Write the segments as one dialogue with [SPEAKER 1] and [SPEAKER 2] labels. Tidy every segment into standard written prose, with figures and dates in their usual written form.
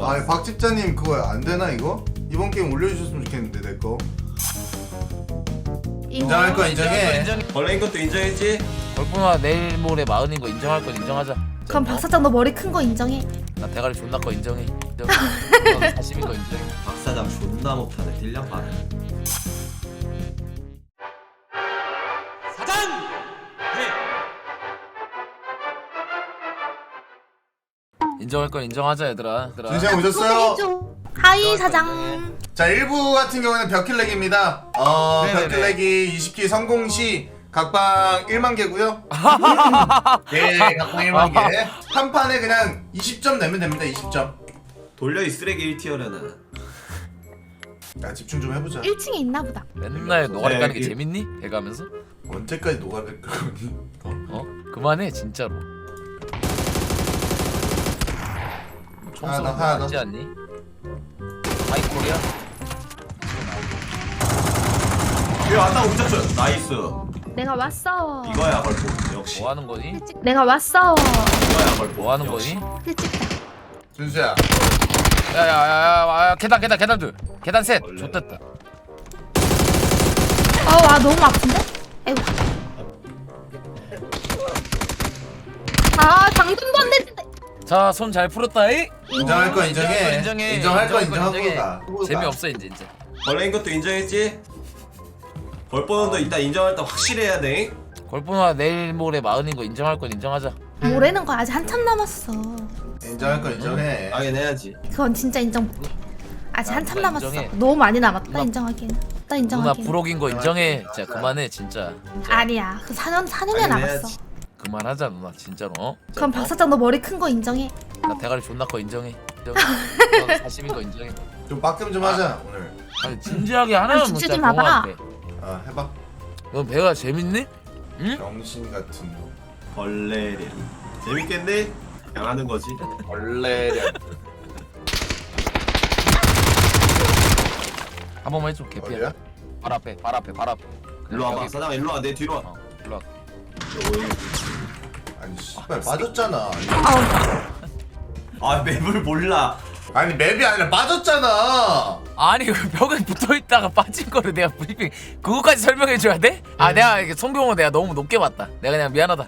[SPEAKER 1] 아 박집자님 그거 안 되나 이거? 이번 게임 올려주셨으면 좋겠는데 내 거. 인정할 거 인정해.
[SPEAKER 2] 벌레인 것도 인정했지?
[SPEAKER 3] 걸프마 내일 모레 마흔인 거 인정할 건 인정하자.
[SPEAKER 4] 그럼 박사장 너 머리 큰 거 인정해.
[SPEAKER 3] 나 대가리 존나 거 인정해. 40인 거 인정해.
[SPEAKER 2] 박사장 존나 못하네. 딜량 빠네. 사장!
[SPEAKER 3] 인정할 건 인정하자 얘들아.
[SPEAKER 1] 준시형 오셨어요?
[SPEAKER 4] 하이 사장.
[SPEAKER 1] 자 1부 같은 경우는 벽킬렉입니다.
[SPEAKER 3] 네네네.
[SPEAKER 1] 벽킬렉이 20킬 성공 시 각방 1만 개고요. 예, 각방 1만 개. 한 판에 그냥 20점 내면 됩니다. 20점.
[SPEAKER 2] 돌려 이 쓰레기 1티어려는.
[SPEAKER 1] 야 집중 좀 해보자.
[SPEAKER 4] 1층에 있나 보다.
[SPEAKER 3] 맨날 노가리
[SPEAKER 2] 네,
[SPEAKER 3] 까는 게
[SPEAKER 2] 이-
[SPEAKER 3] 재밌니? 배가면서?
[SPEAKER 1] 언제까지 노가를 끄니?
[SPEAKER 3] 어? 그만해 진짜로.
[SPEAKER 1] 하나 더, 하나 더.
[SPEAKER 3] 하지 않니? 하이코리아?
[SPEAKER 2] 얘 왔다고 붙였어. 나이스.
[SPEAKER 4] 내가 왔어.
[SPEAKER 2] 이거야 걸포. 역시.
[SPEAKER 3] 뭐 하는 거니?
[SPEAKER 4] 내가 왔어.
[SPEAKER 2] 이거야 걸포.
[SPEAKER 3] 뭐 하는
[SPEAKER 2] 역시.
[SPEAKER 3] 거니?
[SPEAKER 4] 일찍다.
[SPEAKER 1] 준수야.
[SPEAKER 3] 야야야야 계단 둘. 계단 셋.
[SPEAKER 2] 원래.
[SPEAKER 3] 좋됐다.
[SPEAKER 4] 와 너무 아픈데? 아이고. 아 장전도 안 됐는데.
[SPEAKER 3] 자 손 잘 풀었다이.
[SPEAKER 1] 인정할 거 인정해.
[SPEAKER 3] 인정해.
[SPEAKER 1] 인정할 거
[SPEAKER 3] 인정할 거
[SPEAKER 1] 인정하고 가.
[SPEAKER 3] 재미없어 이제.
[SPEAKER 2] 벌레인 것도 인정했지? 걸포는도 이따 인정할 때 확실해야 돼.
[SPEAKER 3] 걸프마 내일 모레 마흔인 거 인정할 건 인정하자.
[SPEAKER 4] 뭐라는 거야? 아직 한참 남았어.
[SPEAKER 1] 인정할 거 인정해.
[SPEAKER 2] 당연해야지.
[SPEAKER 4] 그건 진짜 인정 못해. 아직
[SPEAKER 3] 나
[SPEAKER 4] 한참
[SPEAKER 3] 누나
[SPEAKER 4] 남았어.
[SPEAKER 3] 인정해.
[SPEAKER 4] 너무 많이 남았다
[SPEAKER 3] 누나-
[SPEAKER 4] 인정하기에는. 나
[SPEAKER 3] 누나
[SPEAKER 4] 인정하기에는.
[SPEAKER 3] 부록인 거 인정해. 진짜 그만해 진짜.
[SPEAKER 4] 아니야. 그 4년이
[SPEAKER 2] 당연히
[SPEAKER 4] 남았어.
[SPEAKER 2] 해야지.
[SPEAKER 3] 그만하자 누나 진짜로. 어?
[SPEAKER 4] 그럼 박사장 너 머리 큰 거 인정해.
[SPEAKER 3] 나 대가리 존나 거 인정해. 40인 거 인정해.
[SPEAKER 1] 좀 빡겜 좀 하자 오늘.
[SPEAKER 3] 아니 진지하게 하나만
[SPEAKER 4] 죽지
[SPEAKER 3] 묻자
[SPEAKER 4] 마봐.
[SPEAKER 3] 경호한테.
[SPEAKER 1] 아 해봐.
[SPEAKER 3] 넌 배가 재밌니? 응?
[SPEAKER 1] 병신 같은 거.
[SPEAKER 2] 벌레를. 재밌겠네? 양하는 거지.
[SPEAKER 1] 벌레련.
[SPEAKER 3] 한 번만 해줘 개피야.
[SPEAKER 1] 어디야?
[SPEAKER 3] 발 앞에.
[SPEAKER 2] 일로 와봐.
[SPEAKER 3] 여기.
[SPEAKER 2] 사장 일로 와. 내 뒤로 와.
[SPEAKER 3] 어, 일로 와.
[SPEAKER 1] 아니 씨발 빠졌잖아.
[SPEAKER 2] 아 맵을 몰라.
[SPEAKER 1] 아니 맵이 아니라 빠졌잖아.
[SPEAKER 3] 아니 그 벽에 붙어 있다가 빠진 거를 내가 브리핑 그거까지 설명해 줘야 돼? 아 내가 이게 송병호 내가 너무 높게 봤다. 내가 그냥 미안하다.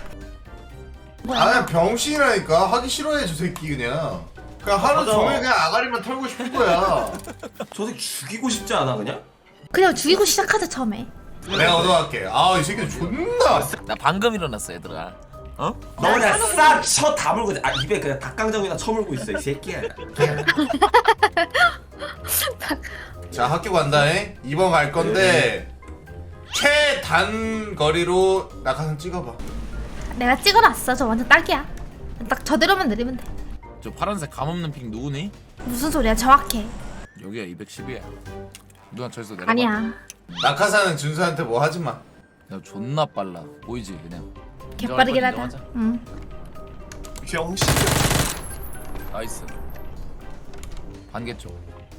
[SPEAKER 1] 아 그냥 병신이라니까. 하기 싫어해 저 새끼 그냥. 그냥 하루
[SPEAKER 2] 맞아.
[SPEAKER 1] 종일 그냥 아가리만 털고 싶은 거야.
[SPEAKER 2] 저 새끼 죽이고 싶지 않아 그냥?
[SPEAKER 4] 그냥 죽이고 시작하자 처음에.
[SPEAKER 1] 내가 얻어갈게. 아 이 새끼 존나.
[SPEAKER 3] 나 방금 일어났어 얘들아. 어?
[SPEAKER 2] 너 그냥 싹쳐 다물고 아 입에 그냥 닭강정이나 처물고 있어 이 새끼야.
[SPEAKER 1] 자 학교 간다잉. 2번 갈 건데 최단 거리로 낙하산 찍어봐.
[SPEAKER 4] 내가 찍어놨어. 저 완전 딱이야. 딱 저대로만 내리면 돼.
[SPEAKER 3] 저 파란색 감 없는 핑 누구니?
[SPEAKER 4] 무슨 소리야? 정확해.
[SPEAKER 3] 여기야 210이야. 누나 저기서 내려봐.
[SPEAKER 4] 아니야.
[SPEAKER 1] 낙하산은 준수한테 뭐 하지 마.
[SPEAKER 3] 야 존나 빨라. 보이지 그냥.
[SPEAKER 4] 개빠르긴
[SPEAKER 3] 인정할 건
[SPEAKER 4] 하다.
[SPEAKER 3] 인정하자.
[SPEAKER 4] 응.
[SPEAKER 2] 병신.
[SPEAKER 3] 나이스. 반개 쪽.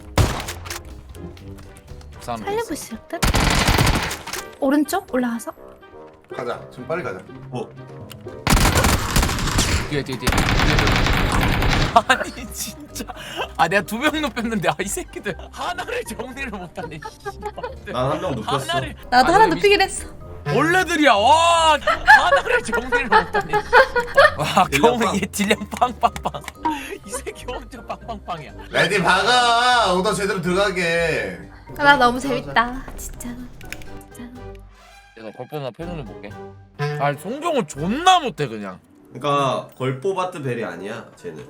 [SPEAKER 3] 부산
[SPEAKER 4] 살리고 있을 듯. 오른쪽 올라가서.
[SPEAKER 1] 가자. 좀 빨리 가자.
[SPEAKER 2] 뭐?
[SPEAKER 3] 뒤에. 아니 진짜. 아 내가 2명 높였는데 아 이 새끼들 하나를 정리를 못하네.
[SPEAKER 2] 난 한 명 눕혔어.
[SPEAKER 3] 하나를.
[SPEAKER 4] 나도
[SPEAKER 3] 아,
[SPEAKER 4] 하나
[SPEAKER 3] 근데
[SPEAKER 4] 눕히긴 했어.
[SPEAKER 3] 원래들이야. 와 하나를 정리를 못하네. 와
[SPEAKER 2] 딜량
[SPEAKER 3] 경호 얘 딜량 빵빵빵. 이 새끼 엄청 빵빵빵이야.
[SPEAKER 1] 레디 박아. 오더 제대로 들어가게.
[SPEAKER 4] 나 너무 재밌다. 진짜로.
[SPEAKER 3] 내가 걸뻔한 패널을 볼게. 아 송정은 존나 못해 그냥.
[SPEAKER 2] 그러니까 걸포바트 벨이 아니야 쟤는.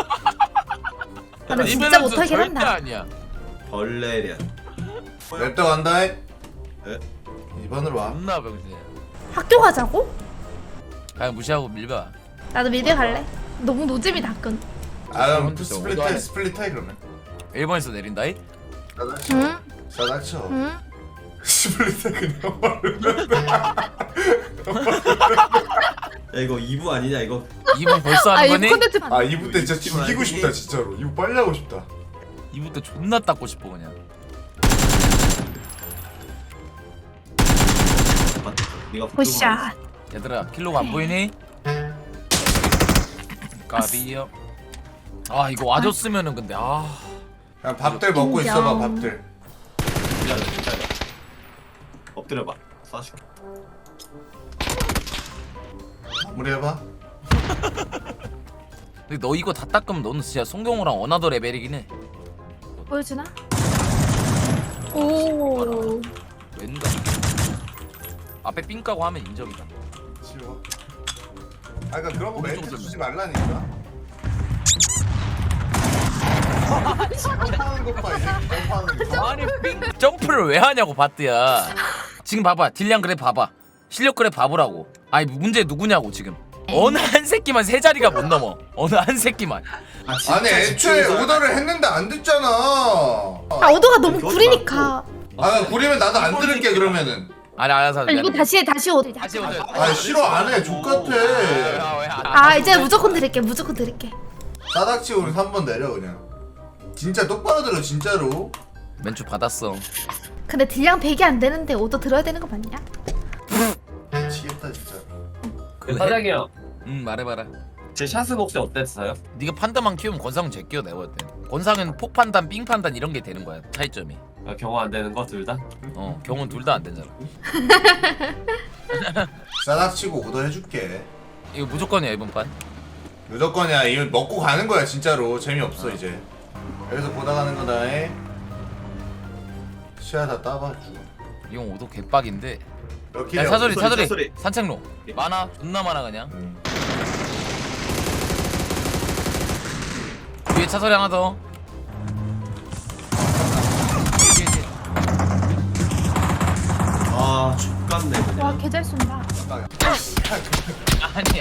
[SPEAKER 4] 나는 진짜
[SPEAKER 3] 이번에는
[SPEAKER 4] 못하긴
[SPEAKER 3] 절대
[SPEAKER 4] 한다.
[SPEAKER 3] 아니야.
[SPEAKER 2] 벌레련.
[SPEAKER 1] 랩도 간다잉.
[SPEAKER 2] 네?
[SPEAKER 1] 2번으로 와.
[SPEAKER 3] 존나 병신이야.
[SPEAKER 4] 학교 가자고?
[SPEAKER 3] 그냥 무시하고 밀봐.
[SPEAKER 4] 나도 미대 갈래. 너무 노잼이다 학교는.
[SPEAKER 1] 아 그럼
[SPEAKER 3] 진짜
[SPEAKER 1] 스플릿
[SPEAKER 3] 오더하네.
[SPEAKER 1] 해. 스플릿 해 그러면.
[SPEAKER 3] 1번에서 내린다이?
[SPEAKER 1] 싸닥쳐.
[SPEAKER 4] 응?
[SPEAKER 1] 싸닥쳐.
[SPEAKER 4] 응?
[SPEAKER 1] 스플릿 해 그냥 바로.
[SPEAKER 2] 야 이거 2부 아니냐 이거?
[SPEAKER 3] 2번 벌써
[SPEAKER 4] 아
[SPEAKER 3] 하는
[SPEAKER 4] 이거
[SPEAKER 3] 거니?
[SPEAKER 4] 콘텐츠
[SPEAKER 1] 아 2부 때 진짜 죽이고 싶다 진짜로. 2부 빨리 하고 싶다.
[SPEAKER 3] 2부 때 존나 닦고 싶어 그냥.
[SPEAKER 2] 네가
[SPEAKER 4] 보샷.
[SPEAKER 3] 얘들아 킬로가 안 보이니? 까비요. 아 이거 와줬으면은 근데 아
[SPEAKER 1] 그냥 밥들 먹고
[SPEAKER 4] 인정.
[SPEAKER 1] 있어봐 밥들.
[SPEAKER 2] 미안해 진짜. 엎드려봐. 쏴줄게.
[SPEAKER 1] 마무리해봐.
[SPEAKER 3] 근데 너 이거 다 닦으면 너는 진짜 송경호랑 어나더 레벨이긴 해.
[SPEAKER 4] 보여주나? 오.
[SPEAKER 3] 왠가 앞에 삥 까고 하면 인정이다.
[SPEAKER 1] 치워. 아 그러니까 그런 거 멘트
[SPEAKER 3] 오른쪽으로
[SPEAKER 1] 주지 말라니까. 점프하는 것 봐, 이제 점프하는 거.
[SPEAKER 3] 아니 삥 점프를 왜 하냐고 바트야. 지금 봐봐 딜량 그래 봐봐 실력 그래 봐보라고. 아니 문제 누구냐고 지금. 어느 한 새끼만 세 자리가 못 넘어. 어느 한 새끼만.
[SPEAKER 1] 아니 애초에 오더를 했는데 안 듣잖아.
[SPEAKER 4] 아 오더가 너무 구리니까.
[SPEAKER 1] 아 구리면 나도 안 들을게 그러면은.
[SPEAKER 3] 아니 알아서.
[SPEAKER 4] 아, 이거 다시 오더.
[SPEAKER 3] 다시 오자.
[SPEAKER 1] 아 싫어 안 해. 족같아.
[SPEAKER 4] 아 이제 무조건 드릴게. 무조건 드릴게.
[SPEAKER 1] 싸닥치고 우리 3번 내려 그냥. 진짜 똑바로 들어 진짜로.
[SPEAKER 3] 맨주 받았어.
[SPEAKER 4] 근데 딜량 100이 안 되는데 오더 들어야 되는 거 맞냐?
[SPEAKER 1] 미치겠다 진짜.
[SPEAKER 2] 사장이 형.
[SPEAKER 3] 말해봐라.
[SPEAKER 2] 제 샷은 혹시 어땠어요?
[SPEAKER 3] 네가 판단만 키우면 권상은 제끼어 내가 볼 때. 권상은 폭 판단, 삥 판단 이런 게 되는 거야 차이점이.
[SPEAKER 2] 경호 안 되는 거 둘 다?
[SPEAKER 3] 경우는 둘 다 안 되잖아.
[SPEAKER 1] 싸닥치고 오더 해줄게.
[SPEAKER 3] 이거 무조건이야 이번 판.
[SPEAKER 1] 무조건이야. 이거 먹고 가는 거야 진짜로. 재미없어 이제. 여기서 보다 가는 거다. 에. 시야 다 따봐 주고.
[SPEAKER 3] 이건 오도 개빡인데.
[SPEAKER 1] 럭키
[SPEAKER 3] 야 사소리
[SPEAKER 2] 소리,
[SPEAKER 3] 사소리
[SPEAKER 2] 사소리.
[SPEAKER 3] 산책로 많아 존나 많아 그냥. 위에 차소리 하나 더.
[SPEAKER 2] 아 X같네 그냥.
[SPEAKER 4] 와 개 잘 쏜다.
[SPEAKER 3] 아니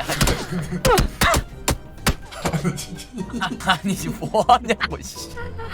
[SPEAKER 3] 아니지 뭐 하냐고 씨.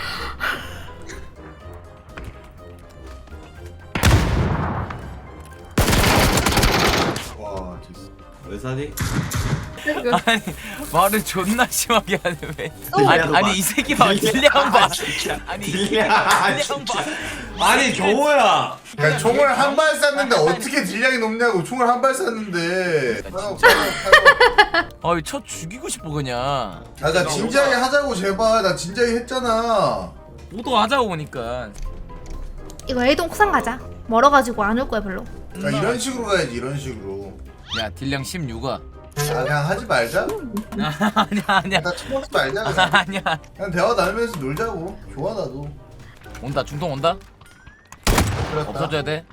[SPEAKER 1] 와 됐어.
[SPEAKER 2] 왜 사니?
[SPEAKER 3] 아니 말을 존나 심하게 하네 왜?
[SPEAKER 2] 딜량
[SPEAKER 3] 아니
[SPEAKER 2] 봐.
[SPEAKER 3] 이 새끼 봐 딜량 봐. 아니
[SPEAKER 2] 딜량.
[SPEAKER 3] 딜량 봐.
[SPEAKER 2] 아니 경호야.
[SPEAKER 1] 야 총을 한 발 쐈는데 어떻게 딜량이 높냐고. 총을 한 발 쐈는데.
[SPEAKER 3] 아이 쳐 죽이고 싶어 그냥.
[SPEAKER 1] 나 진지하게 하자고 제발. 나 진지하게 했잖아.
[SPEAKER 3] 오도 하자고 보니까.
[SPEAKER 4] 이거 A동 쿠상 가자. 멀어가지고 안 올 거야 별로.
[SPEAKER 1] 야, 이런 식으로 가야지 이런 식으로.
[SPEAKER 3] 야 딜량 16아.
[SPEAKER 1] 아 그냥 하지 말자.
[SPEAKER 3] 아니야
[SPEAKER 1] 나 쳐먹지 말자 그냥.
[SPEAKER 3] 아니야.
[SPEAKER 1] 그냥 대화 나누면서 놀자고. 좋아 나도.
[SPEAKER 3] 온다 중통 온다.
[SPEAKER 1] 그렇다.
[SPEAKER 3] 없어져야 돼.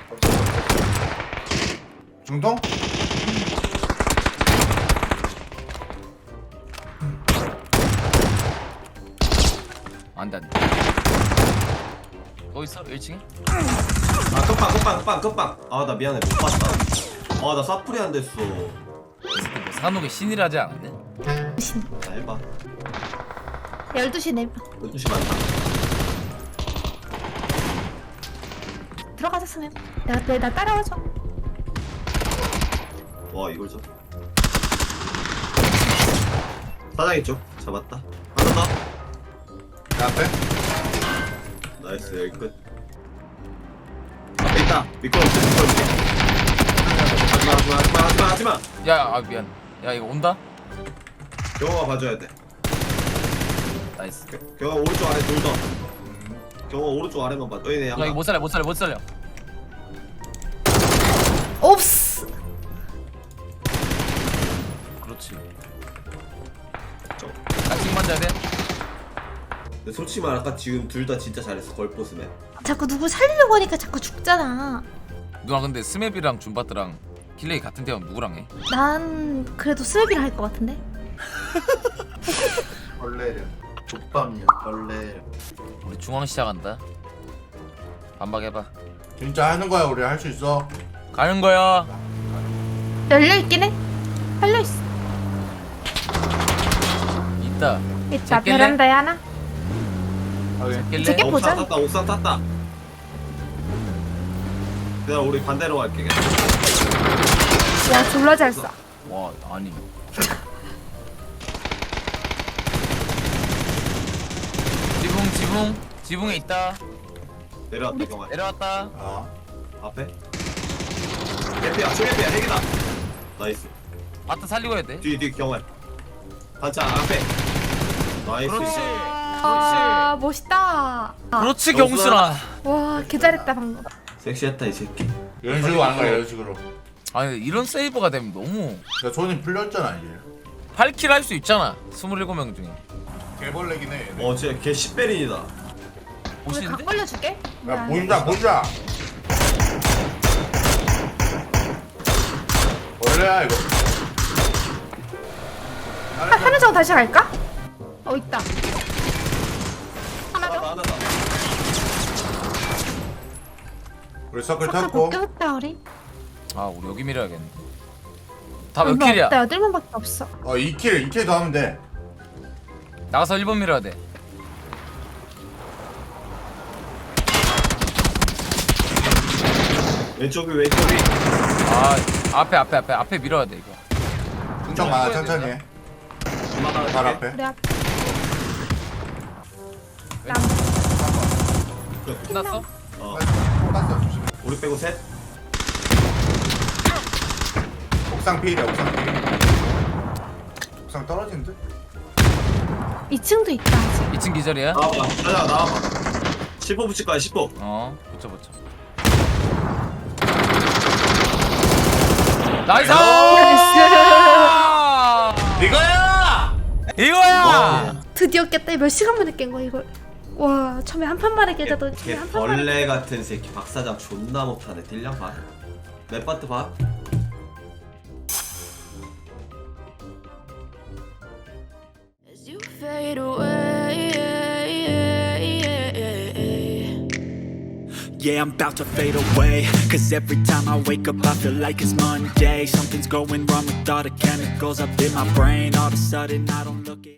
[SPEAKER 1] 중통?
[SPEAKER 3] 안돼 안돼. 또 있어 1층에?
[SPEAKER 2] 아 끝방. 아 나 미안해 못 봤다. 아 나 사프리 안 됐어.
[SPEAKER 3] 산옥의 신이라지 않았네?
[SPEAKER 2] 자 해봐.
[SPEAKER 4] 12시 내면
[SPEAKER 2] 12시 많다.
[SPEAKER 4] 들어가자 스맵. 나 따라와줘.
[SPEAKER 2] 와 이걸 줘. 사장 있죠? 잡았다. 하나 더.
[SPEAKER 1] 내 앞에?
[SPEAKER 2] 나이스 여기 끝. 앞에 있다. 미끄러울게. 하지마.
[SPEAKER 3] 야 아 미안. 야 이거 온다?
[SPEAKER 2] 경호가 봐줘야 돼.
[SPEAKER 3] 나이스.
[SPEAKER 2] 경호 오른쪽 아래 둘 더. 경호 오른쪽 아래만 봐. 어이네
[SPEAKER 3] 야 이거 못 살려
[SPEAKER 4] 옵스.
[SPEAKER 3] 그렇지. 나씩 만져야 돼?
[SPEAKER 2] 근데 솔직히 말 아까 지금 둘 다 진짜 잘했어. 걸포스맨.
[SPEAKER 4] 자꾸 누구 살리려고 하니까 자꾸 죽잖아.
[SPEAKER 3] 누나 근데 스맵이랑 줌바트랑 킬레이 같은 데면 누구랑 해?
[SPEAKER 4] 난 그래도 스맵이랑 할 것 같은데.
[SPEAKER 1] 벌레렴. 족밥이야 벌레렴.
[SPEAKER 3] 우리 중앙 시작한다. 반박해봐.
[SPEAKER 1] 진짜 하는 거야 우리 할 수 있어.
[SPEAKER 3] 가는 거야.
[SPEAKER 4] 열려 있긴 해. 열려 있어.
[SPEAKER 3] 있다.
[SPEAKER 4] 있다.
[SPEAKER 3] 제낄래?
[SPEAKER 4] 베란다에 하나.
[SPEAKER 3] 낄래?
[SPEAKER 4] 제껴? 보자.
[SPEAKER 2] 옥상 탔다. 내가 우리 반대로 갈게.
[SPEAKER 4] 와 졸라 잘 쏴.
[SPEAKER 3] 와 아니. 지붕에 있다.
[SPEAKER 2] 내려왔다 경아.
[SPEAKER 3] 내려왔다.
[SPEAKER 1] 아.
[SPEAKER 2] 앞에. 개피야 초개피야 핵이다. 나이스.
[SPEAKER 3] 바트 살리고 해야 돼.
[SPEAKER 2] 뒤 경아. 반찬 앞에. 나이스.
[SPEAKER 4] 아 멋있다.
[SPEAKER 3] 그렇지 경순아.
[SPEAKER 4] 와 개잘했다 방금.
[SPEAKER 2] 섹시했다 이 새끼.
[SPEAKER 1] 이런 식으로 하는 거야 이런 식으로.
[SPEAKER 3] 아니 이런 세이브가 되면 너무
[SPEAKER 1] 야 손이 풀렸잖아 이제.
[SPEAKER 3] 8킬 할 수 있잖아. 27명 중에.
[SPEAKER 1] 개벌레긴 해.
[SPEAKER 2] 진짜 걔 10베린이다.
[SPEAKER 4] 우리
[SPEAKER 3] 멋있는데?
[SPEAKER 4] 각 걸려줄게.
[SPEAKER 1] 야 보인다 보인다. 원래야 이거.
[SPEAKER 4] 하나 정도 다시 갈까? 있다. 하나 더.
[SPEAKER 2] 하나.
[SPEAKER 1] 우리 서클
[SPEAKER 4] 서클
[SPEAKER 1] 탔고.
[SPEAKER 4] 벗겼다 우리.
[SPEAKER 3] 아 우리 여기 밀어야겠네. 다 몇
[SPEAKER 4] 얼마
[SPEAKER 3] 킬이야?
[SPEAKER 4] 없다. 8명밖에 없어.
[SPEAKER 1] 2킬 더 하면 돼.
[SPEAKER 3] 나가서 1번 밀어야 돼.
[SPEAKER 2] 왼쪽이.
[SPEAKER 3] 아 앞에 밀어야 돼 이거.
[SPEAKER 1] 천천히 많아 천천히 해. 발 앞에.
[SPEAKER 4] 우리 앞. 남.
[SPEAKER 3] 끝났어?
[SPEAKER 1] 땄어 조심.
[SPEAKER 2] 우리 빼고 셋.
[SPEAKER 1] 옥상 피해야 옥상 피해. 옥상 떨어진 듯?
[SPEAKER 4] 2층도 있다 아직.
[SPEAKER 3] 2층 기절이야?
[SPEAKER 2] 나와봐. 가자 나와봐. 10호 붙일 거야 10호.
[SPEAKER 3] 붙여. 나이스! 이거야!
[SPEAKER 4] 드디어 깼다. 몇 시간 만에 깬 거야 이걸. 와 처음에 한 판만에 깨자도
[SPEAKER 2] 걔
[SPEAKER 4] 한 판만에.
[SPEAKER 2] 벌레 같은 새끼 박사장 존나 못하네. 딜량 봐. 맵바트 봐.
[SPEAKER 5] As you fade away,
[SPEAKER 6] yeah, I'm about to fade away. Cause every time I wake up, I feel like it's Monday. Something's going wrong with all the chemicals up in my brain. All of a sudden, I don't look it.